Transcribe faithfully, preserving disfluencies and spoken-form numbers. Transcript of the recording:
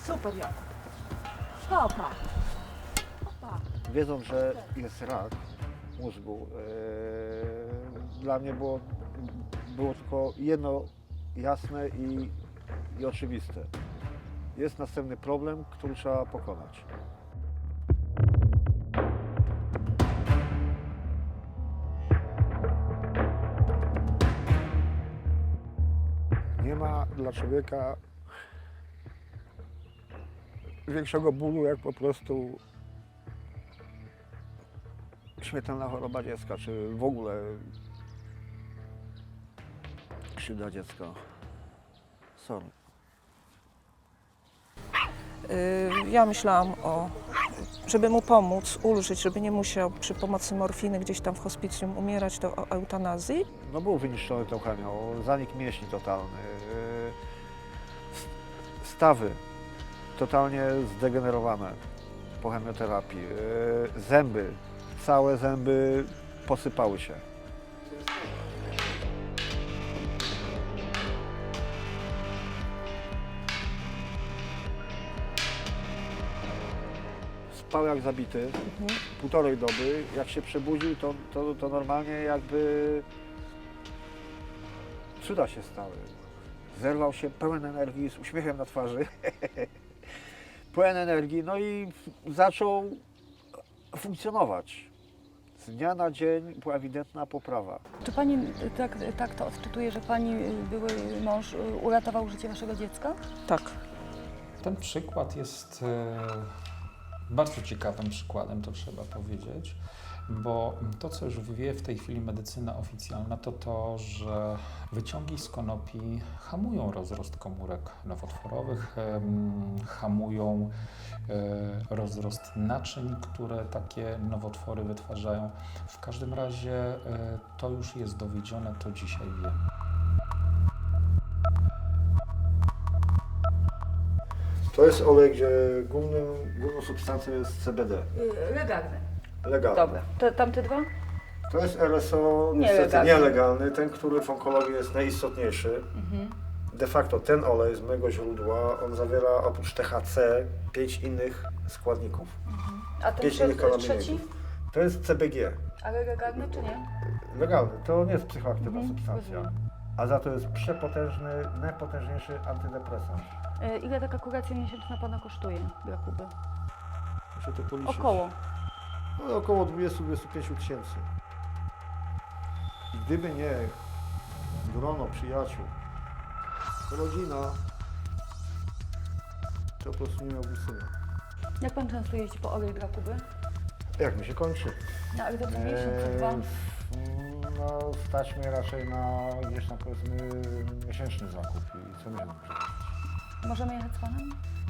Super, Jakub. Hopa. Hopa. Wiedząc, że jest rak mózgu, e, dla mnie było, było tylko jedno jasne i, i oczywiste. Jest następny problem, który trzeba pokonać. Nie ma dla człowieka większego bólu, jak po prostu śmiertelna choroba dziecka, czy w ogóle krzywda dziecka. Sorry. Y, Ja myślałam o, żeby mu pomóc, ulżyć, żeby nie musiał przy pomocy morfiny gdzieś tam w hospicjum umierać, to o eutanazji. No był wyniszczony tą chemią, zanik mięśni totalny, yy, stawy totalnie zdegenerowane po chemioterapii, yy, zęby, całe zęby posypały się. Spał jak zabity, Mhm. półtorej doby. Jak się przebudził, to, to, to normalnie jakby cuda się stały. Zerwał się pełen energii, z uśmiechem na twarzy. Pełen energii, no i zaczął funkcjonować. Z dnia na dzień była ewidentna poprawa. Czy pani tak, tak to odczytuje, że pani były mąż uratował życie waszego dziecka? Tak. Ten przykład jest e, bardzo ciekawym przykładem, to trzeba powiedzieć, bo to, co już wie w tej chwili medycyna oficjalna, to to, że wyciągi z konopi hamują rozrost komórek nowotworowych, em, hamują e, rozrost naczyń, które takie nowotwory wytwarzają. W każdym razie e, to już jest dowiedzione, to dzisiaj wiemy. To jest olej, gdzie głównym, główną substancją jest C B D. Legalny. Legalny. Dobra. Te, tamte dwa? To jest L S O niestety Nielegalny. nielegalny, ten, który w onkologii jest najistotniejszy. Mhm. De facto ten olej z mojego źródła, on zawiera oprócz T H C pięć innych składników. A ten Pięć trze- innych trzeci? kanabinoidów. To jest C B G. Ale legalny czy nie? Legalny, to nie jest psychoaktywna Mhm, substancja. rozumiem. A za to jest przepotężny, najpotężniejszy antydepresant. E, ile taka kuracja miesięczna pana kosztuje, Jakuby? Muszę to policzyć. Około. No, około dwadzieścia do dwudziestu pięciu tysięcy. I gdyby nie grono przyjaciół, rodzina, to po prostu nie miałby syna. Jak pan często jeździ po olej dla Kuby? Jak mi się kończy? No ale to co miesiąc, czy dwa? Eee, No, stać mnie raczej na gdzieś tam powiedzmy miesięczny zakup i co miesiąc. Możemy jechać z panem?